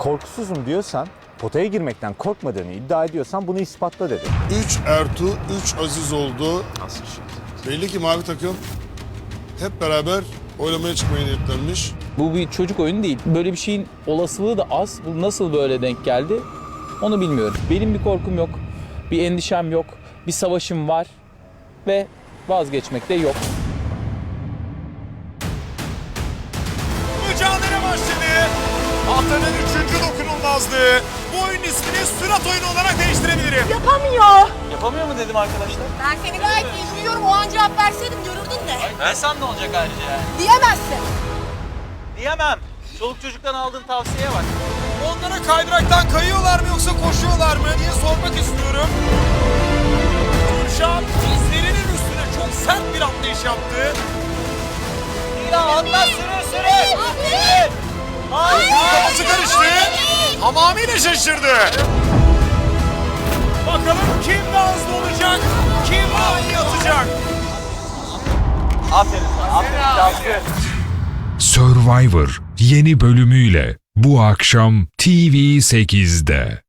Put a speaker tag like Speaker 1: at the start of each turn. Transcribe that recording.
Speaker 1: Korkusuzum diyorsan, potaya girmekten korkmadığını iddia ediyorsan bunu ispatla dedi.
Speaker 2: 3 Ertuğ, 3 Aziz oldu.
Speaker 1: Nasıl şey?
Speaker 2: Belli ki mavi takım hep beraber oylamaya çıkmaya niyetlenmiş.
Speaker 3: Bu bir çocuk oyunu değil. Böyle bir şeyin olasılığı da az. Bu nasıl böyle denk geldi onu bilmiyorum. Benim bir korkum yok, bir endişem yok, bir savaşım var ve vazgeçmek de yok.
Speaker 4: Mücadele başladı. Haftanın 3. dokunulmazlığı. Bu oyunun ismini sürat oyunu olarak değiştirebilirim.
Speaker 5: Yapamıyor.
Speaker 3: Yapamıyor mu dedim arkadaşlar?
Speaker 5: Ben seni gayet iyi duyuyorum. O an cevap verseydim görürdün de.
Speaker 3: Desem ne olacak ayrıca yani?
Speaker 5: Diyemezsin.
Speaker 3: Diyemem. Çoluk çocuktan aldığın tavsiyeye bak.
Speaker 4: Onlara kaydıraktan kayıyorlar mı yoksa koşuyorlar mı diye sormak istiyorum. Gülşah dizlerinin üstüne çok sert bir atlayış yaptı.
Speaker 3: Ya atla sürün.
Speaker 4: Kafası karıştı. Tamamıyla şaşırdı. Bakalım kim daha hızlı olacak, kim daha iyi atacak.
Speaker 3: Aferin.
Speaker 6: Survivor yeni bölümüyle bu akşam TV8'de.